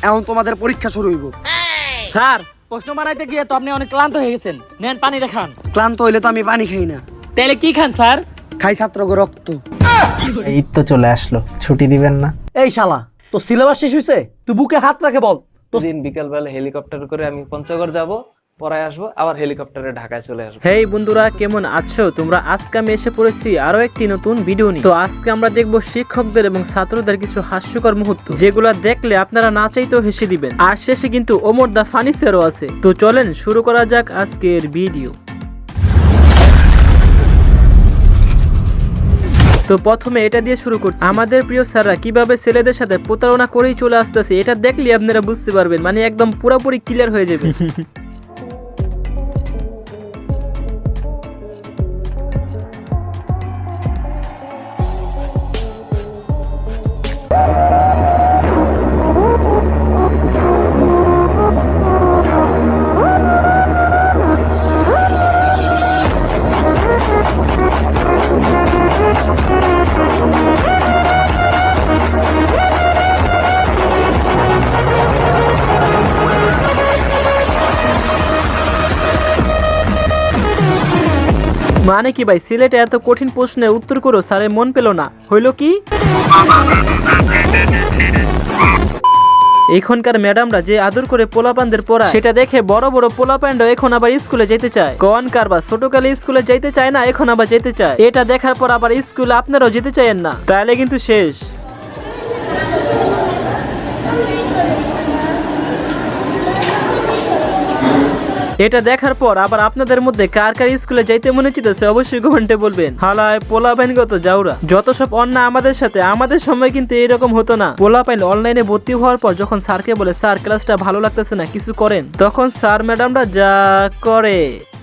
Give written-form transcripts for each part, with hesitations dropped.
এখন তোমাদের পরীক্ষা শুরু হইব। স্যার প্রশ্ন বানাইতে গিয়ে তো আপনি অনেক ক্লান্ত হয়ে গেছেন, নেন পানি দেখান। ক্লান্ত হইলে তো আমি পানি খাই না, তাহলে কি খান স্যার? খাই ছাত্রকে রক্ত। এই তো চলে আসলো, ছুটি দিবেন না? এই শালা, তো সিলেবাস শেষ হইছে? তুই বুকে হাত রাখে বল। দিন বিকাল বেলা হেলিকপ্টার করে আমি পঞ্চগড় যাব, পরে আসবো, আবার হেলিকপ্টারে ঢাকায় চলে আসবো। হেই বন্ধুরা, কেমন আছো তোমরা? আজকে আমি এসে পড়েছি আরো একটি নতুন ভিডিও নিয়ে। তো আজকে আমরা দেখবো শিক্ষকদের এবং ছাত্রদের কিছু হাস্যকর মুহূর্ত, যেগুলো দেখলে আপনারা না চাইতেও হেসে দিবেন। আর শেষে কিন্তু ওমর দা ফানি স্যারও আছে। তো চলেন শুরু করা যাক আজকের ভিডিও। তো প্রথমে এটা দিয়ে শুরু করছি। আমাদের প্রিয় স্যাররা কিভাবে ছেলেদের সাথে প্রতারণা করেই চলে আসতেছে, এটা দেখলে আপনারা বুঝতে পারবেন, মানে একদম পুরোপুরি ক্লিয়ার হয়ে যাবে। মানে কি ভাই, সিলেটে এত কঠিন প্রশ্নের উত্তর করো, স্যারে মন পেল না, হইল কি? এখনকার ম্যাডামরা যে আদর করে পোলাপানদের পড়া, সেটা দেখে বড় বড় পোলাপানরা এখন আবার স্কুলে যেতে চায়। কোন কারবা ছোটকালে স্কুলে যেতে চায় না, এখন আবার যেতে চায়। এটা দেখার পর আবার স্কুলে আপনারাও যেতে চাইেন না, তাহলে কিন্তু শেষ। এটা দেখার পর আবার আপনাদের মধ্যে কার কার স্কুলে যাইতে মনে চিতেছে অবশ্যই কমেন্টে বলবেন। হালায় পোলাপাইন গত যাওরা, যত সব অন্যায় আমাদের সাথে। আমাদের সময় কিন্তু এরকম হতো না। পোলাপাইন অনলাইনে ভর্তি হওয়ার পর যখন স্যারকে বলে স্যার ক্লাসটা ভালো লাগতেছে না, কিছু করেন, তখন স্যার ম্যাডামরা যা করে।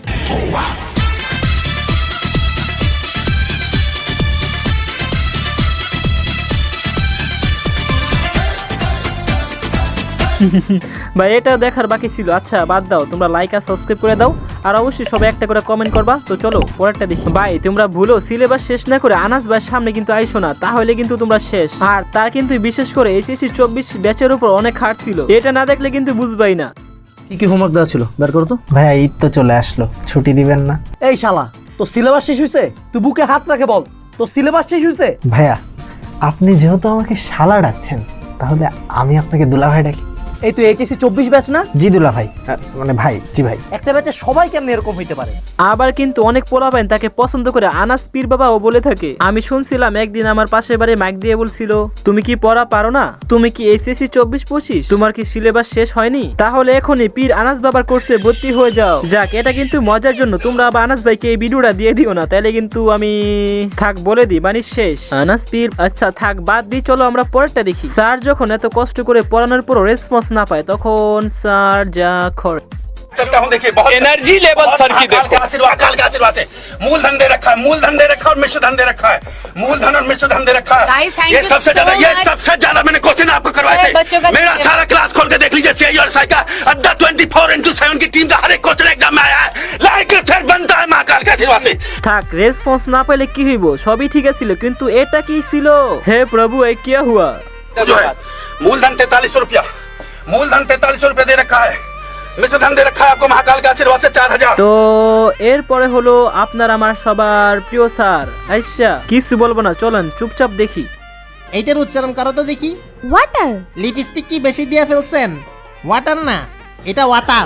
ভাই এটা দেখার বাকি ছিল। আচ্ছা বাদ দাও, তোমরা লাইক আর সাবস্ক্রাইব করে দাও, আর অবশ্যই সবাই একটা করে কমেন্ট করবা। তো চলো পরেরটা দেখি। ভাই তোমরা ভুলো সিলেবাস শেষ না করে আনাস ভাই সামনে কিন্তু আইসো না, তাহলে কিন্তু তোমরা শেষ। আর তার কিন্তু বিশেষ করে এইচএসসি 24 ব্যাচের উপর অনেক হার ছিল, এটা না দেখলে কিন্তু বুঝবাই না। কি কি হোমওয়ার্ক দেওয়া ছিল বের করো তো। ভাইয়া এই তো চলে আসলো, ছুটি দিবেন না? এই শালা, তো সিলেবাস শেষ হইছে? তুই বুকে হাত রাখে বল, তো সিলেবাস শেষ হইছে? ভাইয়া আপনি যেহেতু আমাকে শালা ডাকছেন, তাহলে আমি আপনাকে দুলা ভাই ডাকি। এই তুই এইচএসসি 24 ব্যাচ না? জি দুলা ভাই, মানে ভাই। জি ভাই। একটা ব্যাচে সবাই কেমন এরকম হইতে পারে? আবার কিন্তু অনেক পোলাপাইন তাকে পছন্দ করে আনাস পীর বাবাও বলে থাকে। আমি শুনছিলাম একদিন আমার পাশের বাড়ি মাইক দিয়ে বলছিল, তুমি কি পড়া পারো না? তুমি কি এইচএসসি 24-25? তোমার কি সিলেবাস শেষ হয়নি? তাহলে এখনই পীর আনাস বাবার কোর্সে ভর্তি হয়ে যাও। যাক, এটা কিন্তু মজার জন্য। তোমরা আবার আনাস ভাইকে এই ভিডিওটা দিয়ে দিও না, তাহলে কিন্তু আমি থাক বলে দিই, মানে শেষ। আনাস পীর আচ্ছা থাক বাদ দিই, চলো আমরা পরেরটা দেখি। স্যার যখন এত কষ্ট করে পড়ানোর পরও রেসপন্স না পায়, তখন স্যার যা করে। चलता हूं, देखिए बहुत एनर्जी लेवल सर की देखो। अकाल का आशीर्वाद से मूलधन दे रखा है, मूलधन दे रखा है और मिश्रधन दे रखा है। मूलधन और मिश्रधन दे रखा है। ये सबसे ज्यादा मैंने क्वेश्चन आपको करवाए थे। मेरा सारा क्लास खोल के देख लीजिए। सीआई और साई का अड्डा 24x7 की टीम का हर एक क्वेश्चन एग्जाम में आया है। लाइक सर बनता है महाकाल का आशीर्वाद से। থাক, রেসপন্স না পেলে কি হইব, সবই ঠিক ছিল, কিন্তু এটা কি ছিল? হে প্রভু, এ কি হুয়া? जो है मूलधन 4300 रुपया, मूलधन 4300 रुपया दे रखा है। मिश्रधन दे रखा है आपको महाकाल का आशीर्वाद से 4000। তো এরপরে হলো আপনার আমার সবার প্রিয় স্যার। আচ্ছা কিছু বলবো না, চলেন চুপচাপ দেখি। এইটার উচ্চারণ করো তো দেখি। ওয়াটার। লিপস্টিক কি বেশি দিয়ে ফেলছেন? ওয়াটার না, এটা ওয়াটার।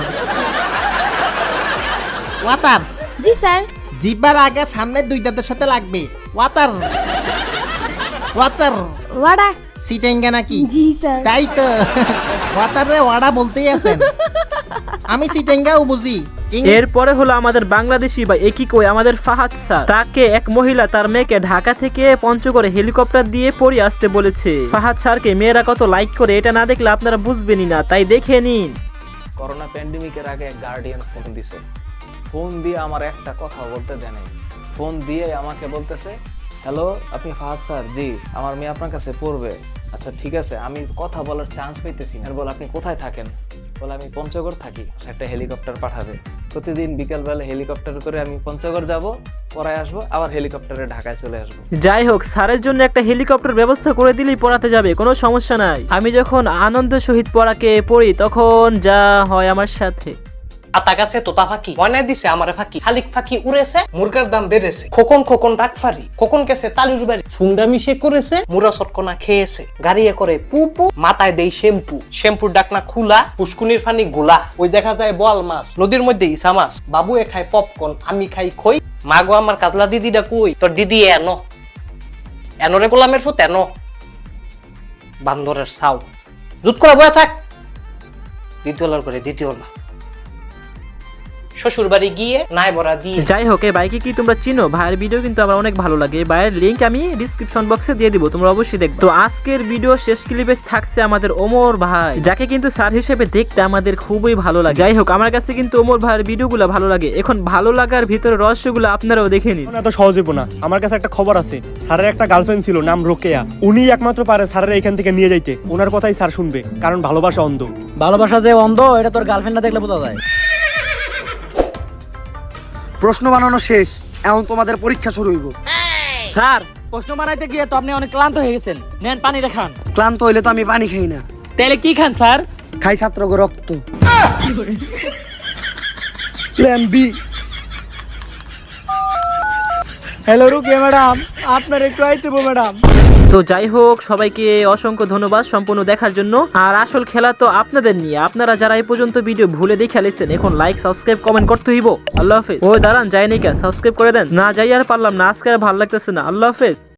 ওয়াটার। জি স্যার। জিহ্বার আগে সামনের দুই দাঁতের সাথে লাগবে। Water water. ওয়াডা। সিটেঙ্গা নাকি? জি স্যার। তাই তো, ওয়াটার রে ওয়াডা বলতেই আছেন। আমি সিটেঙ্গাও বুঝি। এরপরে হলো আমাদের বাংলাদেশি বা একই কই আমাদের ফাহাদ স্যার। তাকে এক মহিলা তার মেয়েকে ঢাকা থেকে পঞ্চগড়ে হেলিকপ্টার দিয়ে পড়ে আসতে বলেছে। ফাহাদ স্যারকে মেয়েরা কত লাইক করে, এটা না দেখলে আপনারা বুঝবেনই না, তাই দেখে নিন। করোনা প্যান্ডেমিকের আগে এক গার্ডিয়ান ফোন দিছে। ফোন দিয়ে আমার একটা কথা বলতে দেয় নাই। ফোন দিয়ে আমাকে বলতেছে, হ্যালো আপনি ফাহাদ স্যার? জি, আমার মেয়ে আপনার কাছে পড়বে। আচ্ছা ঠিক আছে, আমি কথা বলার চান্স পাইতেছি না। বল আপনি কোথায় থাকেন? বলে আমি পঞ্চগড় থাকি। একটা হেলিকপ্টার পাঠাবে, প্রতিদিন বিকালবেলা হেলিকপ্টার করে আমি পঞ্চগড় যাব, পড়ায় আসবো, আবার হেলিকপ্টারে ঢাকায় চলে আসবো। যাই হোক, স্যারের জন্য একটা হেলিকপ্টার ব্যবস্থা করে দিলেই পড়াতে যাবে, কোনো সমস্যা নাই। আমি যখন আনন্দ সহিত পড়াকে পড়ি তখন যা হয় আমার সাথে। আতা গাছে তোতা ফাঁকি ময়নায় দিছে আমারে ফাঁকি, শালিক ফাঁকি উড়েছে, মুরগার দাম বেড়েছে, খোকন খোকন ডাক ফারি, খোকন গেছে তালির বাড়ি, ফুংডা মিশে করেছে, মুরা চটকনা খেয়েছে, গাড়িয়ে করে পু পু, মাথায় দেই শ্যাম্পু, শ্যাম্পুর ডাকনা খুলা, পুষ্কুনির ফানি গোলা, ওই দেখা যায় বোয়াল মাছ, নদীর মধ্যে ইসা মাছ, বাবু এ খায় পপকর্ন, আমি খাই খই, মা গো আমার কাজলা দিদিটা কই, তোর দিদি এনো এনরে গোলামের ফুত এনো, বান্দরের সাউ, জুত করা বয়া থাক, দ্বিতীয়লার করে দ্বিতীয়লা, শ্বশুর বাড়ি গিয়ে নাই বড়া দিয়ে। যাই হোক, এই বাইকে কি তোমরা চিনো? ভাইয়ের ভিডিও কিন্তু আমার অনেক ভালো লাগে, ভাইয়ের লিংক আমি ডিসক্রিপশন বক্সে দিয়ে দিব, তোমরা অবশ্যই দেখবে। তো আজকের ভিডিও শেষ ক্লিপে থাকছে আমাদের ওমর ভাই, যাকে কিন্তু স্যার হিসেবে দেখতে আমাদের খুবই ভালো লাগে। যাই হোক, আমার কাছে কিন্তু ওমর ভাইয়ের ভিডিওগুলো ভালো লাগে। এখন ভালো লাগার ভিতরে রহস্যগুলো আপনারাও দেখে নিন। এত সহজ হইব না। আমার কাছে একটা খবর আছে, স্যারের একটা গার্লফ্রেন্ড ছিল, নাম রোকেয়া। উনি একমাত্র পারে স্যারের এখান থেকে নিয়ে যাইতে। ওনার কথাই স্যার শুনবে, কারণ ভালোবাসা অন্ধ। ভালোবাসা যে অন্ধ এটা তোর গার্লফ্রেন্ড না দেখলে বোঝা যায়। প্রশ্ন বানানো শেষ, এখন তোমাদের পরীক্ষা শুরু হইব। স্যার, প্রশ্ন বানাইতে গিয়ে তো আপনি অনেক ক্লান্ত হয়ে গেছেন, নেন পানি দেখান। ক্লান্ত হইলে তো আমি পানি খাই না। তাহলে কি খান স্যার? খাই ছাত্রগো রক্ত। Plan B. Hello Rukiya madam, আপনার একটু আইতেব ম্যাডাম। তো যাই হোক, সবাইকে অসংখ্য ধন্যবাদ সম্পূর্ণ দেখার জন্য। আর আসল খেলা তো আপনাদের নিয়ে, আপনারা যারা এই পর্যন্ত ভিডিও ভুলে দেখে আলেছেন, এখন লাইক সাবস্ক্রাইব কমেন্ট করতে হইব। আল্লাহ হাফেজ। ওই দাঁড়ান, যাই নাকি সাবস্ক্রাইব করে দেন। না যাই আর পারলাম না, আজকে আর ভালো লাগতেছে না। আল্লাহ হাফেজ।